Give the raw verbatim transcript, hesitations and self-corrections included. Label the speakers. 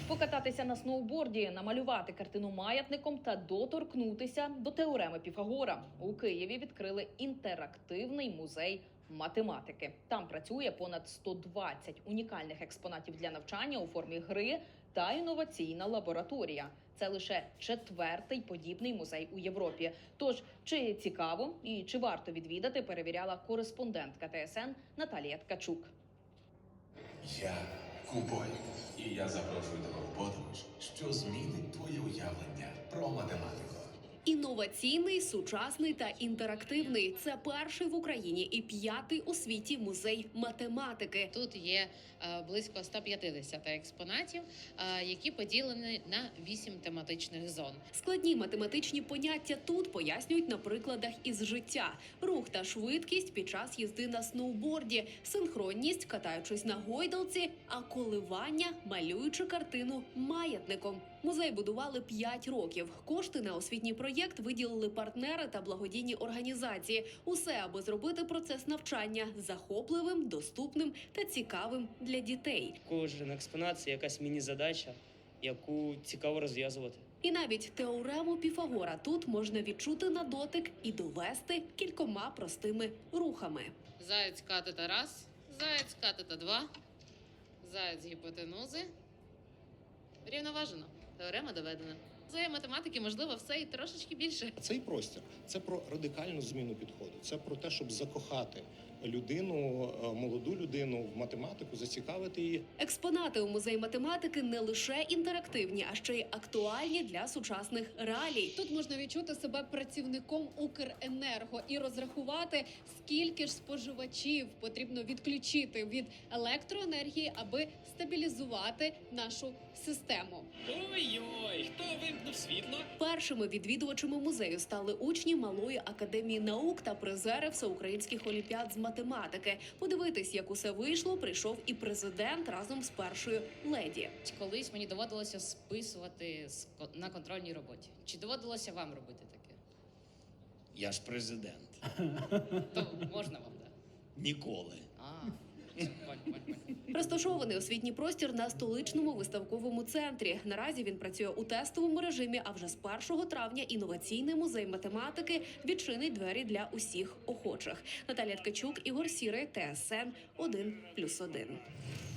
Speaker 1: Покататися на сноуборді, намалювати картину маятником та доторкнутися до теореми Піфагора. У Києві відкрили інтерактивний музей математики. Там працює понад сто двадцять унікальних експонатів для навчання у формі гри та інноваційна лабораторія. Це лише четвертий подібний музей у Європі. Тож, чи цікаво і чи варто відвідати, перевіряла кореспондентка Т С Н Наталія Ткачук.
Speaker 2: Я Кубой, і я запрошую тебе у подорож, що змінить твоє уявлення про математику.
Speaker 3: Інноваційний, сучасний та інтерактивний – це перший в Україні і п'ятий у світі музей математики.
Speaker 4: Тут є е, близько ста п'ятдесят експонатів, е, які поділені на вісім тематичних зон.
Speaker 3: Складні математичні поняття тут пояснюють на прикладах із життя. Рух та швидкість під час їзди на сноуборді, синхронність, катаючись на гойдалці, а коливання, малюючи картину маятником. Музей будували п'ять років. Кошти на освітній проєкт виділили партнери та благодійні організації. Усе, аби зробити процес навчання захопливим, доступним та цікавим для дітей.
Speaker 5: Кожен експонат – це якась міні-задача, яку цікаво розв'язувати.
Speaker 3: І навіть теорему Піфагора тут можна відчути на дотик і довести кількома простими рухами.
Speaker 4: Заєць катета раз, заєць катета два, заєць гіпотенузи. Рівноважено. Теорема доведена. За математики можливо все і трошечки більше.
Speaker 6: Цей простір – це про радикальну зміну підходу. Це про те, щоб закохати людину, молоду людину в математику, зацікавити її.
Speaker 3: Експонати у музеї математики не лише інтерактивні, а ще й актуальні для сучасних реалій.
Speaker 7: Тут можна відчути себе працівником Укренерго і розрахувати, скільки ж споживачів потрібно відключити від електроенергії, аби стабілізувати нашу систему.
Speaker 8: Ой-ой, хто вимкнув світло?
Speaker 3: Першими відвідувачами музею стали учні Малої академії наук та призери всеукраїнських олімпіад з математики. Подивитись, як усе вийшло, прийшов і президент разом з першою леді.
Speaker 4: Колись мені доводилося списувати на контрольній роботі. Чи доводилося вам робити таке?
Speaker 8: Я ж президент.
Speaker 4: То можна вам, так?
Speaker 8: Ніколи.
Speaker 4: А, понь, понь, понь.
Speaker 3: Розташований освітній простір на столичному виставковому центрі. Наразі він працює у тестовому режимі, а вже з першого травня інноваційний музей математики відчинить двері для усіх охочих. Наталія Ткачук, Ігор Сірий, Т С Н один плюс один.